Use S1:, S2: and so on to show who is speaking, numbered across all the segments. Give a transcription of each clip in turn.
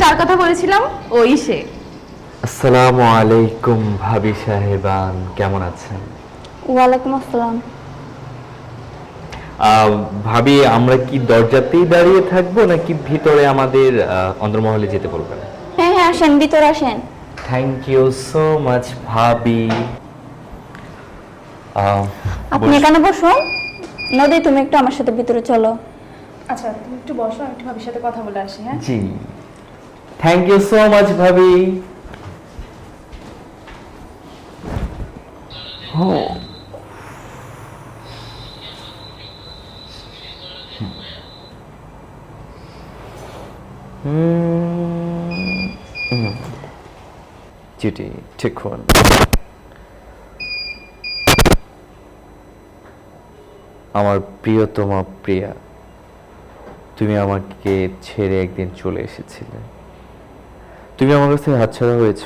S1: যার কথা বলেছিলাম ওই সে।
S2: আসসালামু আলাইকুম ভাবি সাহেবান, কেমন আছেন?
S3: ওয়ালাইকুম আসসালাম।
S2: ভাবি, আমরা কি দরজাতেই দাঁড়িয়ে থাকবো নাকি ভিতরে আমাদের অন্দরমহলে যেতে বলবেন?
S3: হ্যাঁ হ্যাঁ, আসেন, ভিতরে আসেন।
S2: থ্যাংক ইউ সো মাচ ভাবি।
S3: আপনি এখানে বসুন। নদী, তুমি একটু আমার সাথে ভিতরে চলো।
S1: আচ্ছা তুমি একটু বসো, আমি একটু ভাবির সাথে কথা বলে আসি। হ্যাঁ
S2: জি, থ্যাংক ইউ সো মাচ ভাবি। চিঠি ঠিক হন। আমার প্রিয়তমা প্রিয়া, তুমি আমাকে ছেড়ে একদিন চলে এসেছিলে। তুমি আমার কাছ থেকে হাতছাড়া হয়েছ,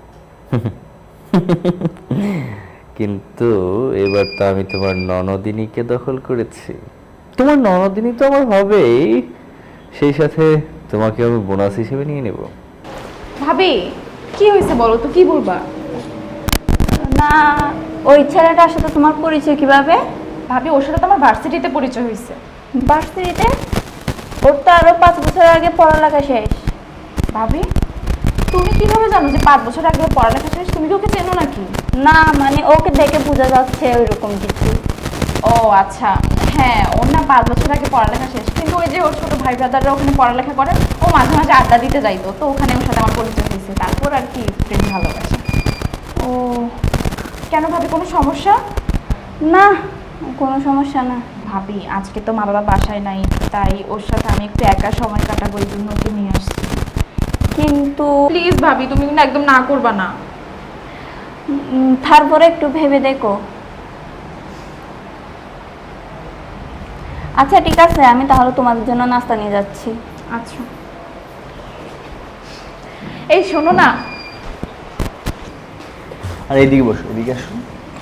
S2: কিন্তু এবার তো আমি তোমার ননদিনীকে দখল করেছি। তোমার ননদিনী তো আমার হবেই, সেই সাথে তোমাকে আমি বোনাস হিসেবে নিয়ে নেব।
S1: ভাবি কি হয়েছে বলো তো, কি বলবা?
S3: না, ওই ছেলেটার সাথে তোমার পরিচয় কিভাবে?
S1: ভাবি ওর সাথে তো আমার ভার্সিটিতে পরিচয় হয়েছে।
S3: ভার্সিটিতে? ওর তো আরো 5 বছর আগে পড়ালেখা শেষ।
S1: ভাবি তুমি কিভাবে জানো যে 5 বছর আগে ওর পড়ালেখা শেষ? তুমি কি ওকে চেনো নাকি?
S3: না মানে ওকে দেখে বোঝা যাচ্ছে ওইরকম কিছু।
S1: ও আচ্ছা, হ্যাঁ ওর না 5 বছর আগে পড়ালেখা শেষ, কিন্তু ওই যে ওর ছোট ভাই ব্রাদাররা ওখানে পড়ালেখা করে, ও মাঝে মাঝে আড্ডা দিতে যাইতো, তো ওখানে ওর সাথে আমার পরিচয় হয়েছে। তারপর আর কি প্রেম ভালোবাসা।
S3: ও
S1: কেন ভাবি, কোনো সমস্যা?
S3: না, কোনো সমস্যা না।
S1: ভাবি আজকে তো মা বাবা বাসায় নাই, তাই ওর সাথে আমি একটু একা সময় কাটাবো, এই জন্য ওকে নিয়ে আসছি।
S3: কিন্তু
S1: প্লিজ ভাবি তুমি কিন্তু একদম না করবা না।
S3: তারপরে একটু ভেবে দেখো। আচ্ছা ঠিক আছে, আমি তাহলে তোমাদের জন্য নাস্তা নিয়ে যাচ্ছি।
S1: আচ্ছা এই শোনো না,
S2: আর এইদিকে বসো, এদিকে আসো।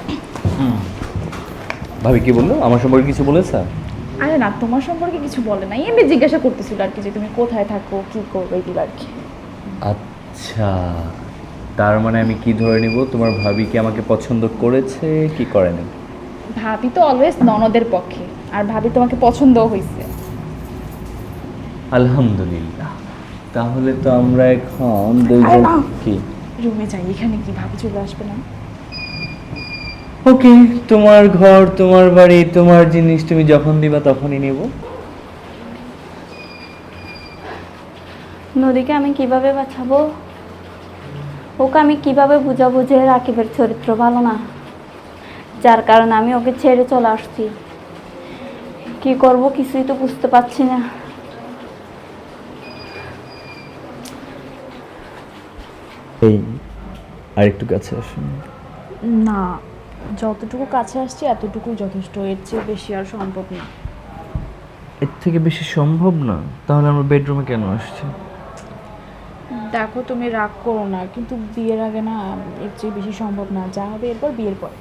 S2: ভাবি কি বললো? আমার সম্পর্কে কিছু বলেছে?
S1: আরে না তোমার সম্পর্কে কিছু বলে নাই, এমনি জিজ্ঞাসা করতেছিল আর কি, যে তুমি কোথায় থাকো কি করবে এগুলো আর কি।
S2: আচ্ছা, তার মানে আমি কি ধরে নিব, তোমার ভাবি কি আমাকে পছন্দ করেছে কি করেনি?
S1: ভাবি তো অলওয়েজ ননদের পক্ষে, আর ভাবি তোমাকে পছন্দও হয়েছে।
S2: আলহামদুলিল্লাহ, তাহলে তো আমরা এখন
S1: আরে না,
S2: কি
S1: রুমে যাই, এখানে কি ভাবি চলে আসবে না?
S2: ওকে, তোমার ঘর তোমার বাড়ি তোমার জিনিস, তুমি যখন দিবা তখনই নেব।
S3: নদীকে আমি কিভাবে বাঁচাবো? ওকে আমি কিভাবে বুঝাবো যে রাকিবের চরিত্র ভালো না, যার কারণে আমি ওকে ছেড়ে চলে আসছি। কি করব কিছুই তো বুঝতে পারছি না।
S2: এই আরেকটু কাছে আসুন।
S1: না, যতটুকু কাছে আসছি এতটুকুই যথেষ্ট, এর চেয়ে বেশি আর সম্ভব না।
S2: এর থেকে বেশি সম্ভব না? তাহলে আমরা বেডরুমে কেন আসছি?
S1: দেখো তুমি রাগ করো না, কিন্তু বিয়ের আগে না এর চেয়ে বেশি সম্ভব না, যা হবে এরপর বিয়ের পর।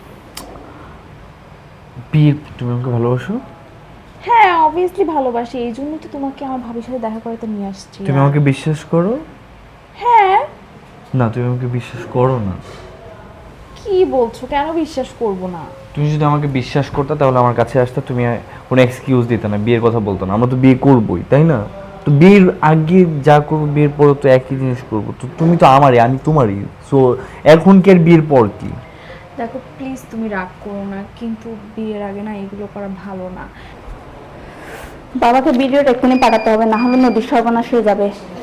S2: বিয়ে? তুমি আমাকে ভালোবাসো?
S1: হ্যাঁ অবভিয়াসলি ভালোবাসি, এই জন্যই তো তোমাকে আমার ভাবির সাথে দেখা করাতে নিয়ে আসছি।
S2: তুমি আমাকে বিশ্বাস করো?
S1: হ্যাঁ।
S2: না, তুমি আমাকে বিশ্বাস করো না।
S1: কি বলছো, কেন বিশ্বাস করব না?
S2: তুমি যদি আমাকে বিশ্বাস করতে তাহলে আমার কাছে আসতে, তুমি কোনো এক্সকিউজ দিতে না, বিয়ের কথা বলতো না। আমরা তো বিয়ে করবোই, তাই না? তো বিয়ের আগে যা করবো বিয়ের পরে তো একই জিনিস করবো। তো তুমি তো আমারই, আমি তোমারই, সো এখন কি আর বিয়ের পর কি?
S1: দেখো প্লিজ তুমি রাগ করো না, কিন্তু বিয়ের আগে না এগুলো করা ভালো না।
S3: বাবাকে ভিডিওটা এক্ষুনি পাঠাতে হবে, না হলে নদীর সর্বনাশ হয়ে যাবে।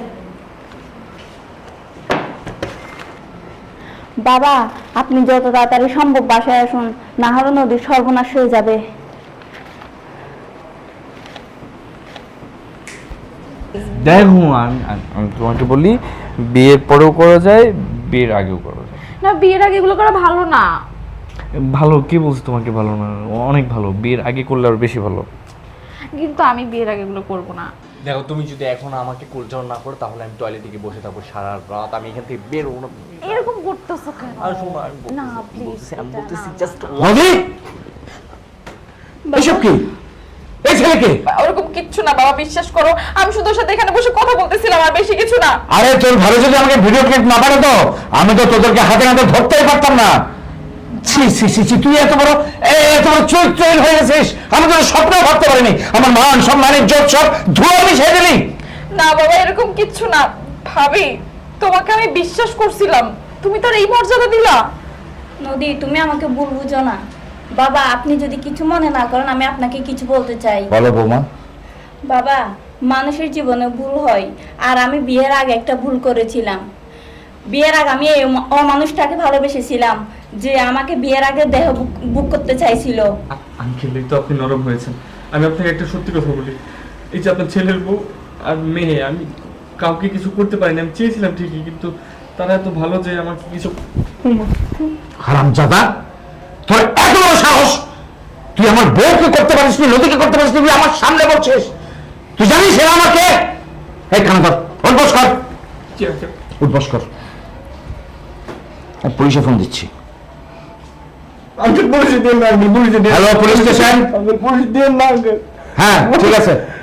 S3: বাবা আপনি যত তাড়াতাড়ি সম্ভব বাসায় আসুন, না হলে নদীর সর্বনাশ হয়ে যাবে।
S2: দেখো আমি তোমাকে বলি, বিয়ের পরেও করা যায়, বিয়ের আগেও করা যায়।
S1: না বিয়ের আগে এগুলো করা ভালো না।
S2: ভালো? কি বলছো তোমাকে ভালো না? অনেক ভালো, বিয়ের আগে করলে আরো বেশি ভালো।
S1: কিন্তু আমি বিয়ের আগে এগুলো করব না।
S2: দেখো, তুমি যদি এখন আমাকে কুলচাও না করো তাহলে আমি টয়লেটে গিয়ে বসে থাকবো সারা রাত, আমি এখান থেকে বের হবো না।
S1: এরকম করতেছো কেন?
S2: আর শোনো, আমি
S1: না প্লিজ,
S2: আমি বলতেছি জাস্ট নদী, এসব কি? এই ছেলেকে
S1: ওরকম কিচ্ছু না বাবা, বিশ্বাস করো। আমি শুধু ওর সাথে এখানে বসে কথা বলতেছিলাম, আর বেশি কিছু না।
S4: আরে তোর ভালো যদি আমাকে ভিডিও ক্লিপ না পাঠাতো আমি তো তোদেরকে হাতে হাতে ধরতেই পারতাম না। ছি ছি ছি ছি, তুই এত বড় চরিত্রহীন হয়ে গেছিস, আমি তো স্বপ্নেও ভাবতে পারিনি। আমার মান সম্মান ইজ্জত সব ধুয়ে মিশিয়ে দিলি।
S1: না বাবা, এরকম কিচ্ছু না। ভাবি, তোমাকে আমি বিশ্বাস করছিলাম, তুমি তো আর এই মর্যাদা দিলা।
S3: নদী, তুমি আমাকে ভুল বুঝো না। বাবা, আপনি যদি কিছু মনে না করেন, আমি আপনাকে কিছু বলতে চাই।
S4: বলো বৌমা।
S3: বাবা, মানুষের জীবনে ভুল হয়, আর আমি বিয়ের আগে একটা ভুল করেছিলাম। বিয়ের আগে আমি এই অমানুষটাকে ভালোবেসেছিলাম, যে আমাকে বিয়ের আগে দেহ বুক করতে চাইছিল।
S2: আঙ্কেল, এই তো আপনি নরম হয়েছেন। আমি আপনাকে একটা সত্যি কথা বলি, এই যে আপনার ছেলের বউ আর মেয়ে, আমি কাউকে কিছু করতে পারিনি। আমি চেয়েছিলাম ঠিকই, কিন্তু তারা এত ভালো যে আমাকে কিছু।
S4: হারামজাদা, তোর এত বড় সাহস! তুই আমার বউকে করতে পারিস নি, নদীকে করতে পারিস নি, তুই আমার সামনে বলছিস? তুই জানিস এরা আমাকে? এই খানা ধর, উঠবস কর, উঠবস কর। আমি পুলিশে ফোন দিচ্ছি।
S2: আমি পুলিশে দিয়ে না, পুলিশে দিয়ে।
S4: Hello, police station.
S2: পুলিশ দিয়ে না।
S4: হ্যাঁ, ঠিক আছে।